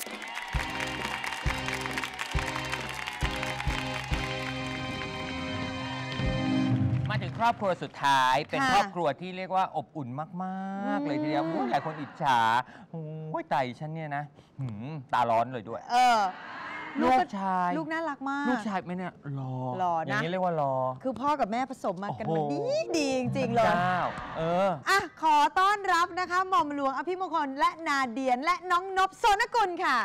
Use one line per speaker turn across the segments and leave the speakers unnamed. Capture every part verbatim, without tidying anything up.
มาถึงครอบครัวสุดท้ายเป็นครอบครัวที่เรียกว่าอบอุ่นมากๆเลยทีเดียวหลายคนอิจฉาโอ้ยไตฉันเนี่ยนะตาร้อนเลยด้วย
เออลูกชายลูกน่ารักมาก
ลูกชายไม่เนี่ยรอ
รอนะ
อย่างนี้เรียกว่ารอ
คือพ่อกับแม่ผสมมากันมันดีดีจริงๆเลย
เออ
อ่ะขอต้อนรับนะคะหม่อมหลวงอภิมงคลและนาเดียนและน้องนพโสนกุลค่ะ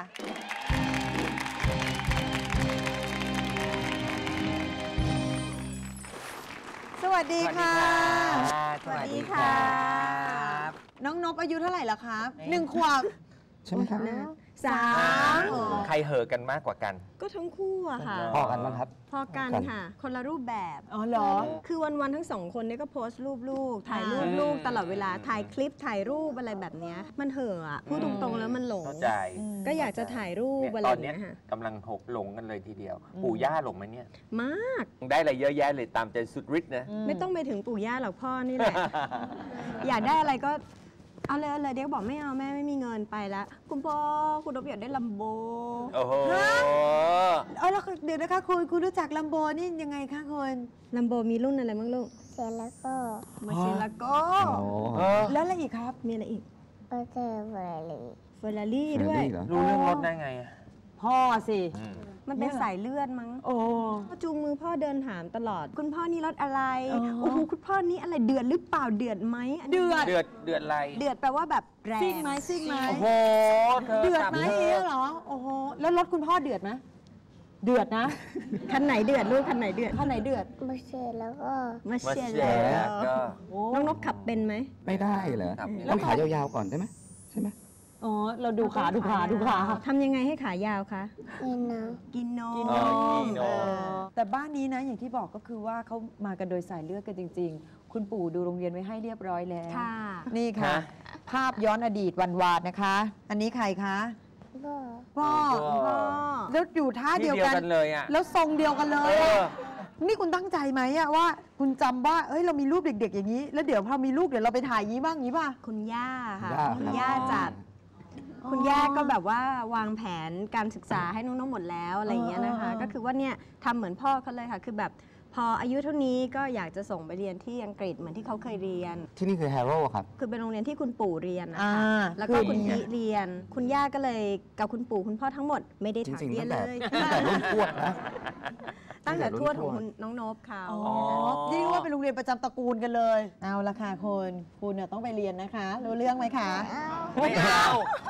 สวัสดีค่ะ
สวัสดีค่ะ
น้องนพอายุเท่าไหร่แล้วครับหนึ่งขวบ
ใช่ไหมครับ
สาม
ใครเหอะกันมากกว่ากัน
ก็ทั้งคู่อะค่ะ
พอกันมั้งครับ
พอกันค่ะคนละรูปแบบ
อ๋อเหรอ
คือวันๆทั้งสองคนนี้ก็โพสต์รูปลูกถ่ายรูปลูกตลอดเวลาถ่ายคลิปถ่ายรูปอะไรแบบนี้มันเห่ออะพูดตรงๆแล้วมันหลงก็อยากจะถ่ายรูปอะไรแบบนี้ค่ะ
กำลังหกหลงกันเลยทีเดียวปู่ย่าหลงไหมเนี่ย
มาก
ได้อะไรเยอะแยะเลยตามใจสุดฤทธิ์นะ
ไม่ต้องไปถึงปู่ย่าหรอกพ่อนี่แหละอยากได้อะไรก็เอาเลยเอาเลยเด็กบอกไม่เอาแม่ไม่มีเงินไปแล้วคุณพ่อคุณนพอยากได้ลัมโบ
โอ้โห
เออแล้วเดี๋ยวนะคะคุณคุณรู้จักลัมโบนี่ยังไงคะคุณ
ลัมโบมีรุ่นอะไรบ้างลูก
เซลโก้
มาเซลโก้
แล้วอะไรอีกครับ
มีอะไรอีก
ก็เจอเฟอร์รารี่
เฟอร์รารี่ด้วย
รู้เรื่องรถได้ไง
พ่อสิ
มันเป็นสายเลือดมั้ง
โอ้
จูงมือพ่อเดินถามตลอดคุณพ่อนี่รถอะไรโอ้โหคุณพ่อนี่อะไรเดือดหรือเปล่าเดือดไหม
เดือด
เดือดเดือดอะไร
เดือดแปลว่าแบบแรง
ซิ่งไหมซิ่งไหม
โอ้โห
เดือดไหมเหรอโอ้โหแล้วรถคุณพ่อเดือดไหมเดือดนะ
คันไหนเดือดลูกคันไหนเดือด
คันไหนเดือด
มาเชลแล้วก็
มาเชลแล้วน้องนพขับเป็นไหม
ไม่ได้เหรอต้องขายาวๆก่อนได้ไหมใช่ไหม
อ๋อเราดูขาดูขาดูขา
ทำยังไงให้ขายาวคะ
กินนม
กินนม
กินนม
แต่บ้านนี้นะอย่างที่บอกก็คือว่าเขามากันโดยสายเลือดกันจริงๆคุณปู่ดูโรงเรียนไว้ให้เรียบร้อยแล้วนี่ค่ะภาพย้อนอดีตวันวานนะคะอันนี้ใครคะพ่อพ่อแล้วอยู่ท่าเดียวกัน
เลยอ่ะ
แล้วทรงเดียวกันเลยนี่คุณตั้งใจไหมอะว่าคุณจำว่าเอ้ยเรามีรูปเด็กๆอย่างนี้แล้วเดี๋ยวพอมีลูกเดี๋ยวเราไปถ่ายยี้บ้างงี้ป่ะ
คุณย่าค่ะคุณย่าจัดคุณย่าก็แบบว่าวางแผนการศึกษาให้น้องๆหมดแล้วอะไรอย่างเงี้ยนะคะก็คือว่าเนี่ยทำเหมือนพ่อเขาเลยค่ะคือแบบพออายุเท่านี้ก็อยากจะส่งไปเรียนที่อังกฤษเหมือนที่เขาเคยเรียน
ที่นี่คือแฮร์โร่ครับ
คือเป็นโรงเรียนที่คุณปู่เรียนนะคะแล้วก็คุณพี่เรียนคุณย่าก็เลยกับคุณปู่คุณพ่อทั้งหมดไม่ได้ถามเรียนเลย
ตั้งแต่รุ่นทวดนะ
ตั้งแต่ทวดของน้องนพเขา
อ๋อนี่ว่าเป็นโรงเรียนประจำตระกูลกันเลยเอาละค่ะคุณคุณเนี่ยต้องไปเรียนนะคะรู้เรื่องไหมคะ
ไม่เอา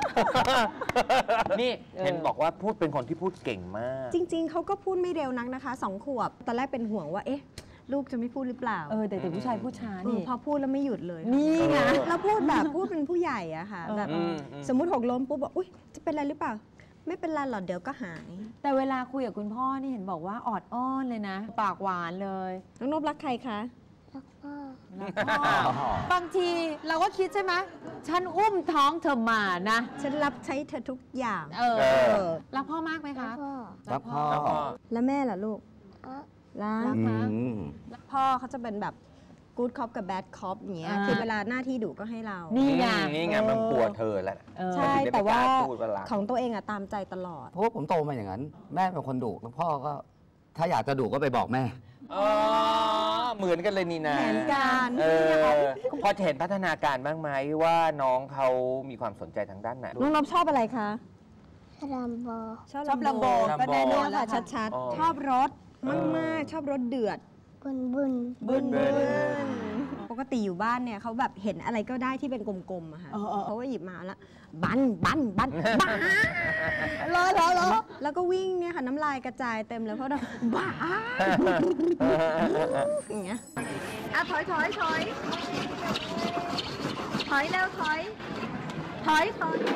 นี่เห็นบอกว่าพูดเป็นคนที่พูดเก่งมาก
จริงๆเขาก็พูดไม่เร็วนักนะคะสองขวบตอนแรกเป็นห่วงว่าเอ๊ะลูกจะไม่พูดหรือเปล่า
เออแต่แต่ผู้ชายพูดช้านี่
พอพูดแล้วไม่หยุดเลย
นี่ไง
แล้วพูดแบบพูดเป็นผู้ใหญ่อะค่ะแบบสมมุติหกล้มปุ๊บบอกอุ้ยจะเป็นอะไรหรือเปล่าไม่เป็นไรหรอกเดี๋ยวก็หาย
แต่เวลาคุยกับคุณพ่อนี่เห็นบอกว่าออดอ้อนเลยนะปากหวานเลย
น้องนพรักใครคะ
รักพ่
อบางทีเราก็คิดใช่ไหมฉันอุ้มท้องเธอมานะ
ฉันรับใช้เธอทุกอย่าง
เออรักพ่อมากไหมคะ
รักพ่อ
แล้วแม่ล่ะลูกรัก
นะ
รักพ่อเขาจะเป็นแบบกู๊ดคอปกับแบดคอปอย่างเงี้ยคือเวลาหน้าที่ดุก็ให้เรา
นี่ไง
นี่ไงมันกลัวเธอแหละ
ใช่แต่ว่าของตัวเองอะตามใจตลอด
เพราะว่าผมโตมาอย่างนั้นแม่เป็นคนดุแล้วพ่อก็ถ้าอยากจะดุก็ไปบอกแม่
อ๋อเหมือนกันเลยนี่นะ
แผนการ
พอจะเห็นพัฒนาการบ้างไหมว่าน้องเขามีความสนใจทางด้านไหน
น้องนพชอบอะไรคะ
ลัมโบ
ชอบลัมโบก็แน่นอนค่ะชัดๆชอบรถมากๆชอบรถเดือด
บุนบุน
บุนบุนปกติอยู่บ้านเนี่ยเขาแบบเห็นอะไรก็ได้ที่เป็นกลมๆอะค่ะเขาก็หยิบมาแล้วบันบันบันบ้าล้อล้อล้อแล้วก็วิ่งเนี่ยค่ะน้ำลายกระจายเต็มเลยเพราะเราบ้าอย่างเงี้ยอ่ะถอยถอยถอยถอยเร็วถอยถอยถอย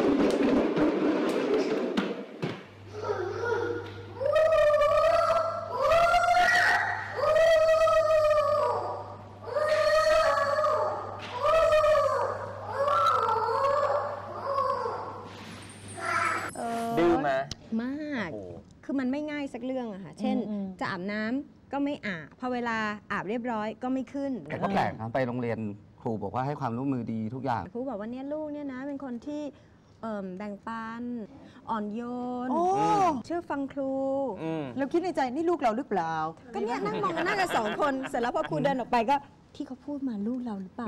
ดื้อม
ามากคือมันไม่ง่ายสักเรื่องอะค่ะเช่นจะอาบน้ำก็ไม่อาบพอเวลาอาบเรียบร้อยก็ไม่ขึ้น
แต่ก็แปลกนะไปโรงเรียนครูบอกว่าให้ความร่วมมือดีทุกอย่าง
ครูบอกว่าเนี่ยลูกเนี่ยนะเป็นคนที่เอิ่มแบ่งปันอ่อนโยน
โอ้
เชื่อฟังครู
อืม
เราคิดในใจนี่ลูกเราหรือเปล่า
ก็เนี่ยนั่งมองกันหน้ากันสองคนเสร็จแล้วพอครูเดินออกไปก็ที่เขาพูดมาลูกเราหรือเปล่า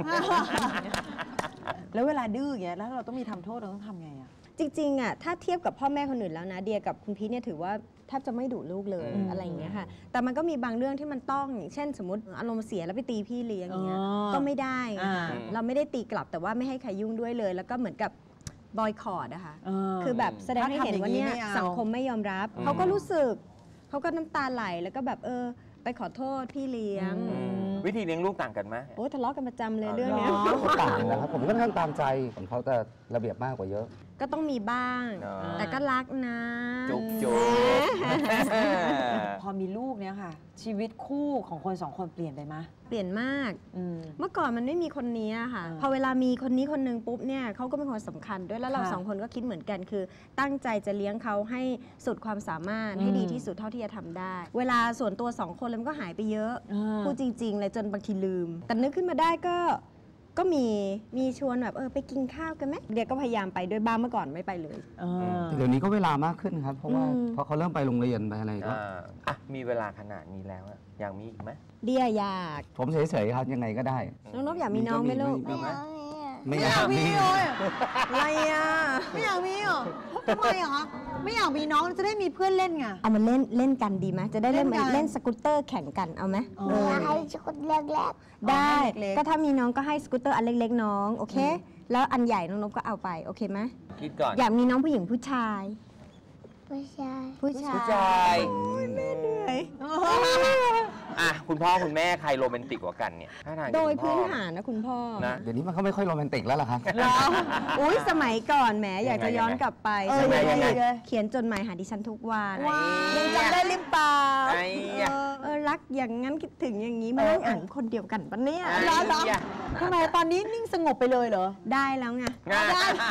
แล้วเวลาดื้ออย่างเงี้ยแล้วเราต้องมีทำโทษเราต้องทำไงอ่ะ
จริงๆอ่ะถ้าเทียบกับพ่อแม่คนอื่นแล้วนะเดียกับคุณพีทเนี่ยถือว่าแทบจะไม่ดุลูกเลย
อืม
อะไรอย่างเงี้ยค่ะแต่มันก็มีบางเรื่องที่มันต้องอย่างเช่น สมมติอารมณ์เสียแล้วไปตีพี่เลี้ยงอย่างเงี้ย
อ๋อ
ก็ไม่ได้ไง
อ่า
คะเราไม่ได้ตีกลับแต่ว่าไม่ให้ใครยุ่งด้วยเลย แล้วก็เหมือนกับบอยคอรดอะค่ะ
เออ
คือแบบแสดงให้เห็นว่าเนี่ย
ถ้าทำอย่างนี้ไม่เอา
สังคมไม่ยอมรับ
อืม
เขาก็รู้สึกเขาก็น้ำตาไหลแล้วก็แบบเออไปขอโทษพี่เลี้ยง
อืมวิธีเลี้ยงลูกต่างกันไหม
โอ้ทะเลาะกันประจำเลย
อ๋อ
เรื่องเนี้ย
เหรอ
ก็ต่างนะครับ ผมก็ค่อนข้างตามใจของเขาแต่ระเบียบมากกว่าเยอะ
ก็ต้องมีบ้าง
เนอะ
แต่ก็รักนะ
จุกจุก
พอมีลูกเนี่ยค่ะ ชีวิตคู่ของคนสองคนเปลี่ยนไปไหม
เปลี่ยนมาก
อืม
เมื่อก่อนมันไม่มีคนนี้อะค่ะ
อ่า
พอเวลามีคนนี้คนหนึงปุ๊บเนี่ยเขาก็เป็นคนสำคัญด้วยแล้วเรา
ค่ะ
สองคนก็คิดเหมือนกันคือ ตั้งใจจะเลี้ยงเขาให้สุดความสามารถ
อืม
ให้ดีที่สุดเท่าที่จะทำได้ เวลาส่วนตัวสองคนเลยมันก็หายไปเยอะ
อ่า
พูดจริงๆเลยจนบางทีลืม แต่นึกขึ้นมาได้ก็ก็มีมีชวนแบบเออไปกินข้าวกันไหมเดียก็พยายามไปด้วยบ้างเมื่อก่อนไม่ไปเลย
เออ
เดี๋ยวนี้ก็เวลามากขึ้นครับ เพราะว่า
อืม
พอเขาเริ่มไปโรงเรียนไปอะไรก็
อ่าอ่ะมีเวลาขนาดนี้แล้วอะอยากมีอีกไหม
เดียอยาก
ผมเฉยๆครับยังไงก็ได้
น้องนบอยากมีน้องไหมลูก
มี
ไม่
ไหม
เอาไม่เอา
ไม่อยากมี
อะไรอ่ะ
ไม่อยากมีเหรอทำไมเหรอคะไม่อยากมีน้องจะได้มีเพื่อนเล่นไง
เอามาเล่นเล่นกันดีไหมจะได้เล่น
เล่นกัน
เล่นสกูตเตอร์แข่งกันเอาไหม
อ๋อ
เออ
อยากให้ชุดเล็ก
ได้
เล็กๆ
ก็ถ้ามีน้องก็ให้สกูตเตอร์อันเล็กๆน้อง โอเค แล้วอันใหญ่น้องนบก็เอาไป โอเคไหม
คิดก่อน
อยากมีน้องผู้หญิงผู้ชาย
ๆผู้ชาย
ผู้ชาย
ผู้ชายอ่ะคุณพ่อคุณแม่ใครโรแมนติกกว่ากันเนี่ยท่าทางจะ
โดย
คุณพ่
พื้
อน
ฐานนะคุณพ่อ
นะ
เดี๋ยวนี้มันก็ไม่ค่อยโรแมนติกแล้วล่ะครับ
เหรออุ้ยสมัยก่อนแหมอยากจะย้อนกลับไป
เออ
สมัย
ยังไง
ที่เขียนจดหมายหาดิฉันทุกวัน
ว้าว
ยังจำได้หรือเปล่า
ไอ้ยะ
เออรักอย่างนั้นคิดถึงอย่างนี้มานั่งอ่านคนเดียวกันปะเนี่ย
ไอ้
เหรอเหรอ
ยะ
ทำไมตอนนี้นิ่งสงบไปเลยเหรอ
ได้แล้วไง
งาน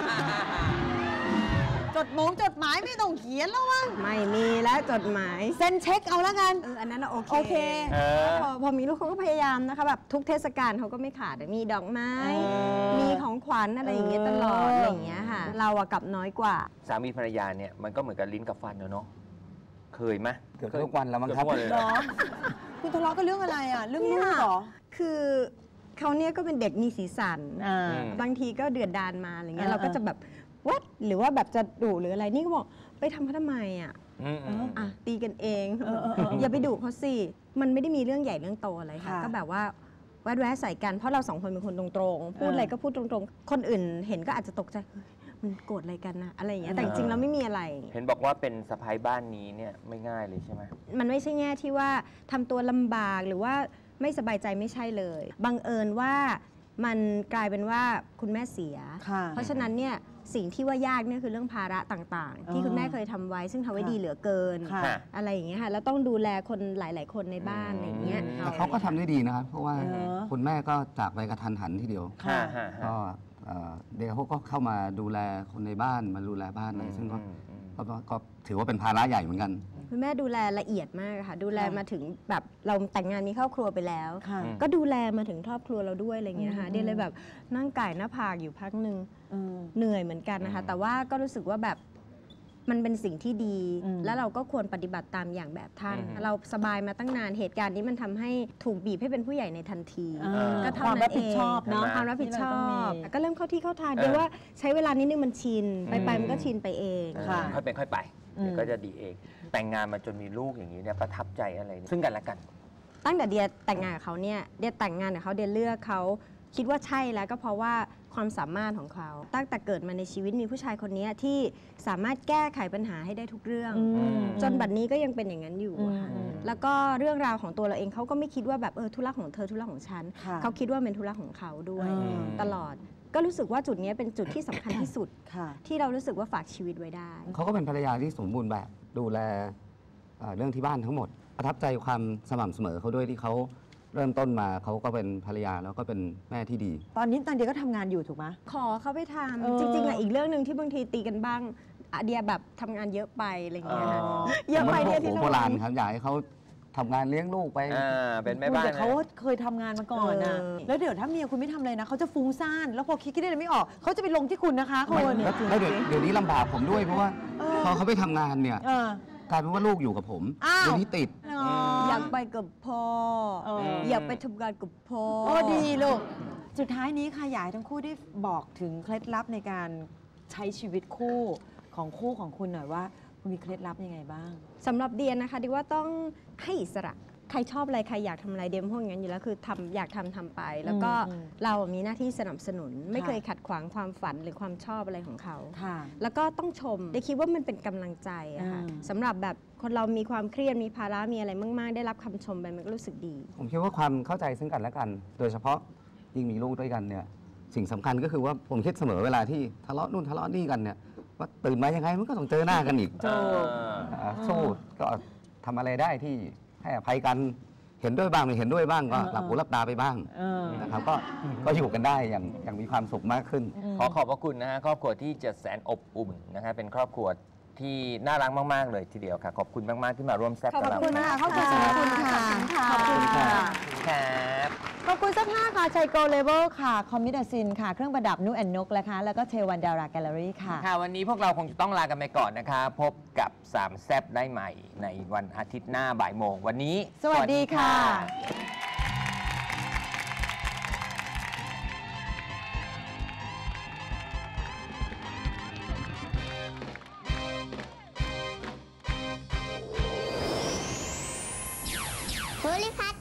จดหมงจดหมายไม่ต้องเขียนแล้วมั้ง
ไม่มีแล้วจดหมาย
เซ็นเช็คเอาแล้วกัน
เอออันนั้นน่ะโอเค
โอเค
เออ
พอพอมีลูกเขาก็พยายามนะคะแบบทุกเทศกาลเขาก็ไม่ขาดมีดอกไม้
เออ
มีของขวัญอะไรอย่างเงี้ยตลอด
เอออ
อะไรอย่างเงี้ยค่ะ เราอะกลับน้อยกว่า
สามีภรรยาเนี่ยมันก็เหมือนกับลิ้นกับฟันเนอะเนาะเคยไหม
เกือบทุกวันแล้วมั้งครับ
เกือทุกนเลย
เหรอ คุณทะเลาะกันเรื่องอะไรอ่ะ เรื่องลูกเหรอ
คือเขาเนี่ยก็เป็นเด็กมีสีสัน
อ่า
อืม
บางทีก็เดือดดานมาอะไรเงี้ย
อ่า
เราก็จะแบบวัดหรือว่าแบบจะดุหรืออะไรนี่ก็บอกไปทำเขาทำไมอ่ะ
อืมอืม
อ่ะตีกันเอง
เออเออเออ
อย่าไปดุเขาสิมันไม่ได้มีเรื่องใหญ่เรื่องโตอะไรค่ะ
ค่ะ
ก็แบบว่าแวดแวะใส่กันเพราะเราสองคนเป็นคนตรงๆพูดอะไรก็พูดตรงๆ คนอื่นเห็นก็อาจจะตกใจเฮ้ยมันโกรธอะไรกันนะอะไรอย่างเงี้ยแต่จริงๆแล้วไม่มีอะไร
เห็นบอกว่าเป็นสะพ้ายบ้านนี้เนี่ยไม่ง่ายเลยใช่ไหม
มันไม่ใช่แง่ที่ว่าทำตัวลำบากหรือว่าไม่สบายใจไม่ใช่เลยบังเอิญว่ามันกลายเป็นว่าคุณแม่เสีย
ค่ะ
เพราะฉะนั้นเนี่ยสิ่งที่ว่ายากเนี่ยคือเรื่องภาระต่างๆ ที่
อ๋อ
คุณแม่เคยทำไว้ ซึ่งทำไว้
ค่ะ
ดีเหลือเกิน
ค่ะ
อะไรอย่างเงี้ยค่ะแล้วต้องดูแลคนหลาย ๆ คนในบ้าน
อืม
อะไรอย่างเงี้ย
แต่เขาก็ทำได้ดีนะครับ เพราะว่า
เออ
คุณแม่ก็จากไปกระทันหันทีเดียว
ค่ะ
ฮะฮะ
ก็เอ่อเดี๋ยวเขาก็เข้ามาดูแลคนในบ้านมาดูแลบ้านอะไรซึ่งก็
อืมอืม
ก็ก็ก็ถือว่าเป็นภาระใหญ่เหมือนกัน
คุณแม่ดูแลละเอียดมากค่ะดูแล
ค่ะ
มาถึงแบบเราแต่งงานมีครอบครัวไปแล้ว
ค่ะ
อืม
ก็ดูแลมาถึงครอบครัวเราด้วยอะไรอย่างเงี้ยค่ะ
อืม
เดียเลยแบบนั่งไก่หน้าผากอยู่พักหนึ่ง
อืม
เหนื่อยเหมือนกันนะคะ
อืม
แต่ว่าก็รู้สึกว่าแบบมันเป็นสิ่งที่ดี
อืม
แล้วเราก็ควรปฏิบัติตามอย่างแบบท่าน
อืม
เราสบายมาตั้งนานเหตุการณ์นี้มันทำให้ถูกบีบให้เป็นผู้ใหญ่ในทันที
อ่า
ก็เท่า
ความ
นั้
รับ
นเอ
ผิด
ง
ชอบเนาะ
ความรับผิดชอ
ที่เราต้
บ
องมี
ก็เริ่มเข้าที่เข้าทาง
เออ
เดี๋ยวว่าใช้เวลานิดนึงมันชิน ไปไป
อืม
มันก็ชินไปเอง
ค่ะ
ค่อยเป็นค่อยไป
อืม
เดี๋ยวก็จะดีเอง แต่งงานมาจนมีลูกอย่างนี้เนี่ยประทับใจอะไรเนี่ยซึ่งกันและกัน
ตั้งแต่เดียแต่งงานกับเขาเนี่ยเดียแต่งงานกับเขาเดียเลือกเขาคิดว่าใช่แล้วก็เพราะว่าความสามารถของเขา ตั้งแต่เกิดมาในชีวิตมีผู้ชายคนนี้ที่สามารถแก้ไขปัญหาให้ได้ทุกเรื่อง
อืม
จนบัดนี้ก็ยังเป็นอย่างนั้นอยู่อะค่ะ
อืม
แล้วก็เรื่องราวของตัวเราเองเขาก็ไม่คิดว่าแบบเออธุระของเธอธุระของฉัน
ค่ะ
เขาคิดว่าเป็นธุระของเขาด้วย
อืม
ตลอด ก็รู้สึกว่าจุดนี้เป็นจุดที่สำคัญที่สุด
ค่ะ
ที่เรารู้สึกว่าฝากชีวิตไว้ได้
เขาก็เป็นภรรยาที่สมบูรณ์แบบดูแลเอ่อเรื่องที่บ้านทั้งหมด ประทับใจความสม่ำเสมอเขาด้วยที่เขาเริ่มต้นมาเขาก็เป็นภรรยาแล้วก็เป็นแม่ที่ดี
ตอนนี้ตันเดียก็ทำงานอยู่ถูกไหม
ขอเขาไปท
เออ
ำจริงๆอะอีกเรื่องหนึ่งที่บางทีตีกันบ้างอะเดียแบบทำงานเยอะไปอะไรอย่างเงี้ยค่ะ
อ๋อ
เยอะไป
ผม
เดีย
ว่า
ที่
โบ
เรา
ราณครับอยากให้เขาทำงานเลี้ยงลูกไป
อ่าเป็นแม่
คุณ
บ้าน
แต่เขา
นะ
เคยทำงานมาก่อนนะ
เออ
แล้วเดี๋ยวถ้าเมียคุณไม่ทำอะไรนะเขาจะฟุ้งซ่านแล้วพอคิดคิดได้ไม่ออกเขาจะไปลงที่คุณนะคะคุณ
แล้วแล้วเดี๋ยวเดี๋ยวนี้ลำบากผมด้วยเพราะว่า
เออ
พอเขาไปทำงานเนี่ย
เออก
ลายเป็นว่าลูกอยู่กับผม
อ้าว
เดี๋ยวนี้ติด
อยากไปกับพ่อ
เออ
อยากไปทำงานกับพ่อ
โอ้ดีลูกสุดท้ายนี้ค่ะอยากให้ทั้งคู่ได้บอกถึงเคล็ดลับในการใช้ชีวิตคู่ของคู่ของคุณหน่อยว่าคุณมีเคล็ดลับยังไงบ้าง
สำหรับเดียนนะคะดิว่าต้องให้อิสระ ใครชอบอะไร ใครอยากทำอะไรเดียมพวกนั้นอยู่แล้วคือทำอยากทำทำไป แล้วก็
อืม
เรามีหน้าที่สนับสนุน ไม่
ค่ะ
เคยขัดขวางความฝันหรือความชอบอะไรของเขา
ค่ะ
แล้วก็ต้องชมเดียคิดว่ามันเป็นกำลังใจอะค่ะ
อืม
สำหรับแบบคนเรามีความเครียดมีภาระมีอะไรมาก ๆ ได้รับคำชมไปมันก็รู้สึกดี
ผมคิดว่าความเข้าใจซึ่งกันและกัน โดยเฉพาะยิ่งมีลูกด้วยกันเนี่ยสิ่งสำคัญก็คือว่าผมคิดเสมอเวลาที่ทะเลาะนู่นทะเลาะนี่กันเนี่ยว่าตื่นมายังไงมันก็ต้องเจอหน้ากันอีก
ถูก
อ่าสู้ก็ทำอะไรได้ที่ให้อภัยกันเห็นด้วยบ้างไม่เห็นด้วยบ้างก็
เออ
หลับหูหลับตาไปบ้าง
เออ
นะครับก็ก็อยู่กันได้อย่างอย่างมีความสุขมากขึ้น
ขอขอบพระคุณนะฮะครอบครัวที่จะแสนอบอุ่นนะคะเป็นครอบครัวที่น่ารักมากๆเลยทีเดียวค่ะ ขอบคุณมากๆที่มาร่วมแซ่บกับเรา
ขอบคุณ
นะ
ค่ะขอบคุณค่ะขอบคุณค่ะ
ขอบคุณค่ะ
ครับ
ขอบคุณเสื้อผ้าค่ะชัยโกเลเวลค่ะ คอมมิดาซินค่ะ เครื่องประดับนุแอนนกนะคะแล้วก็เทวันดาราแกลเลอรี่ค่ะ
ค่ะวันนี้พวกเราคงจะต้องลากันไปก่อนนะคะ พบกับสามแซบได้ใหม่ในวันอาทิตย์หน้าบ่ายโมงวันนี้
สวัสดีค่ะ
ภูริพัฒน์